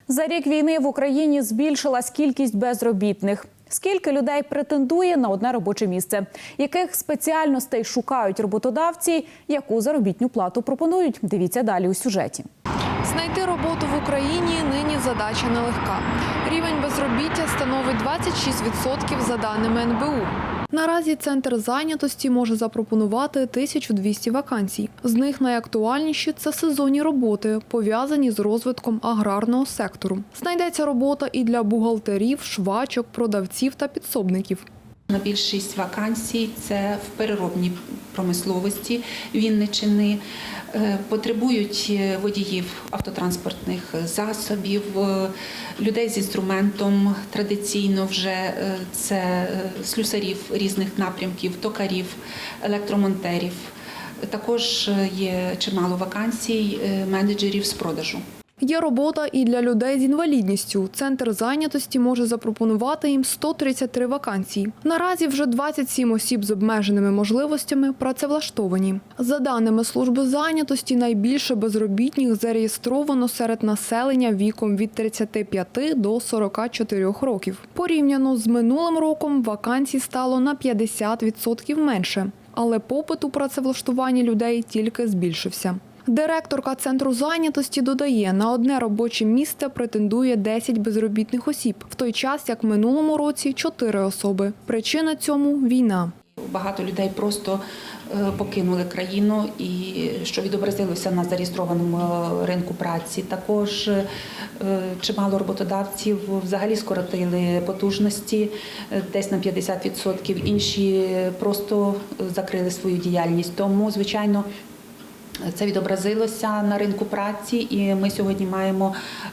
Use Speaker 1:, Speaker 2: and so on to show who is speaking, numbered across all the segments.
Speaker 1: За рік війни в Україні збільшилась кількість безробітних. Скільки людей претендує на одне робоче місце? Яких спеціальностей шукають роботодавці? Яку заробітну плату пропонують? Дивіться далі у сюжеті.
Speaker 2: Знайти роботу в Україні нині задача нелегка. Рівень безробіття становить 26% за даними НБУ. Наразі Центр зайнятості може запропонувати 1200 вакансій. З них найактуальніші – це сезонні роботи, пов'язані з розвитком аграрного сектору. Знайдеться робота і для бухгалтерів, швачок, продавців та підсобників.
Speaker 3: Більшість вакансій – це в переробній промисловості Вінниччини. Потребують водіїв автотранспортних засобів, людей з інструментом, традиційно вже це слюсарів різних напрямків, токарів, електромонтерів. Також є чимало вакансій менеджерів з продажу.
Speaker 2: Є робота і для людей з інвалідністю. Центр зайнятості може запропонувати їм 133 вакансії. Наразі вже 27 осіб з обмеженими можливостями працевлаштовані. За даними служби зайнятості, найбільше безробітних зареєстровано серед населення віком від 35 до 44 років. Порівняно з минулим роком вакансій стало на 50% менше. Але попит у працевлаштуванні людей тільки збільшився. Директорка Центру зайнятості додає, на одне робоче місце претендує 10 безробітних осіб, в той час, як в минулому році – 4 особи. Причина цьому – війна.
Speaker 3: Багато людей просто покинули країну, і що відобразилося на зареєстрованому ринку праці. Також чимало роботодавців взагалі скоротили потужності десь на 50%, інші просто закрили свою діяльність. Тому, звичайно, це відобразилося на ринку праці, і ми сьогодні маємо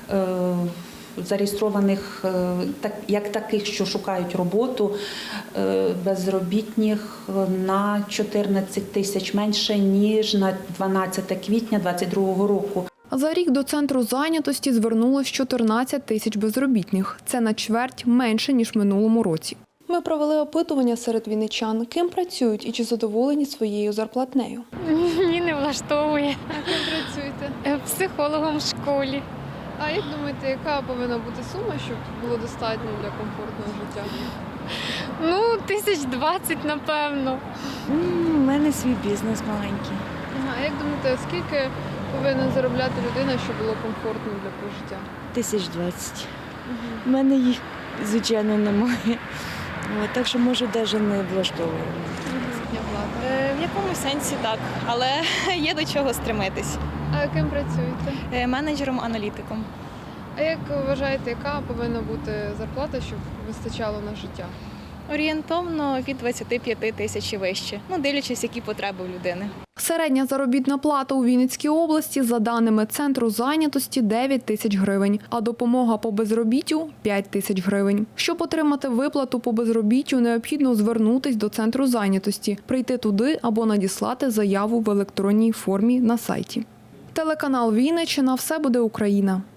Speaker 3: зареєстрованих як таких, що шукають роботу, безробітних на 14 тисяч менше, ніж на 12 квітня 2022 року.
Speaker 2: За рік до Центру зайнятості звернулось 14 тисяч безробітних. Це на чверть менше, ніж в минулому році. Ми провели опитування серед вінничан, ким працюють і чи задоволені своєю зарплатнею.
Speaker 4: Ні, не влаштовує.
Speaker 5: А ким працюєте?
Speaker 4: Психологом в школі.
Speaker 5: А як думаєте, яка повинна бути сума, щоб було достатньо для комфортного життя?
Speaker 4: Ну, 1020, напевно.
Speaker 6: У мене свій бізнес маленький.
Speaker 5: А як думаєте, скільки повинна заробляти людина, щоб було комфортно для прожиття?
Speaker 6: 1020. У мене їх, звичайно, немає. Так що, може, навіть не влаштовує.
Speaker 7: В якомусь сенсі так, але є до чого стремитись.
Speaker 5: А яким працюєте?
Speaker 7: Менеджером-аналітиком.
Speaker 5: А як вважаєте, яка повинна бути зарплата, щоб вистачало на життя?
Speaker 7: Орієнтовно від 25 тисяч і вище, дивлячись, які потреби у людини.
Speaker 2: Середня заробітна плата у Вінницькій області, за даними Центру зайнятості, 9 тисяч гривень, а допомога по безробіттю – 5 тисяч гривень. Щоб отримати виплату по безробіттю, необхідно звернутися до Центру зайнятості, прийти туди або надіслати заяву в електронній формі на сайті. Телеканал Вінниччина. Все буде Україна.